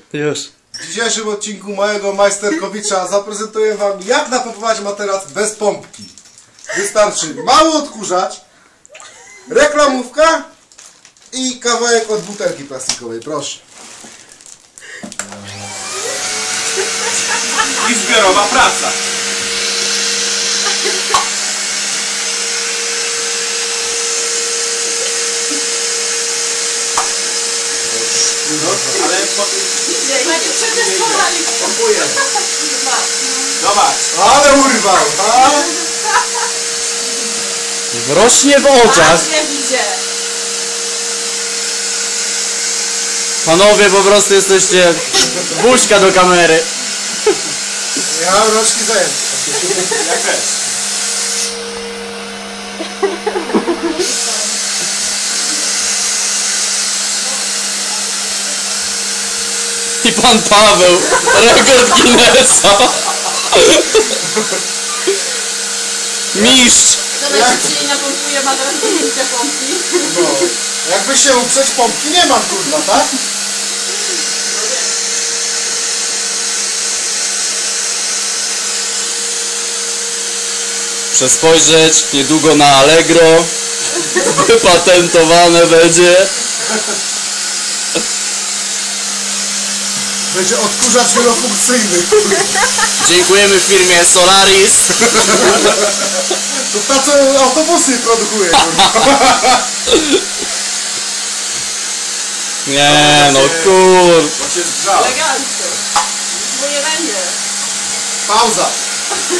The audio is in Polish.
Już. W dzisiejszym odcinku mojego majsterkowicza zaprezentuję wam, jak napompować materac bez pompki. Wystarczy mały odkurzacz, reklamówka i kawałek od butelki plastikowej, proszę. I zbiorowa praca. Ale przetestowali. Pompuję. zobacz. Ale urwał, a? Rośnie w oczach. Nie widzę. Panowie, po prostu jesteście buźka do kamery. Ja mam rączki zajęte. Jak też. I pan Paweł, rekord Guinnessa. Mistrz. To najszybciej napompuje materac do użycia pompki. No. Jakby się uprzeć, pompki nie mam, kurwa, tak? Przespojrzeć niedługo na Allegro. Wypatentowane będzie. Będzie odkurzacz wielofunkcyjny. Dziękujemy firmie Solaris. To ta, co autobusy produkuje, kurwa. Nie no kur... Bo się zgrzał. Elegancko. Bo nie będzie. Pauza.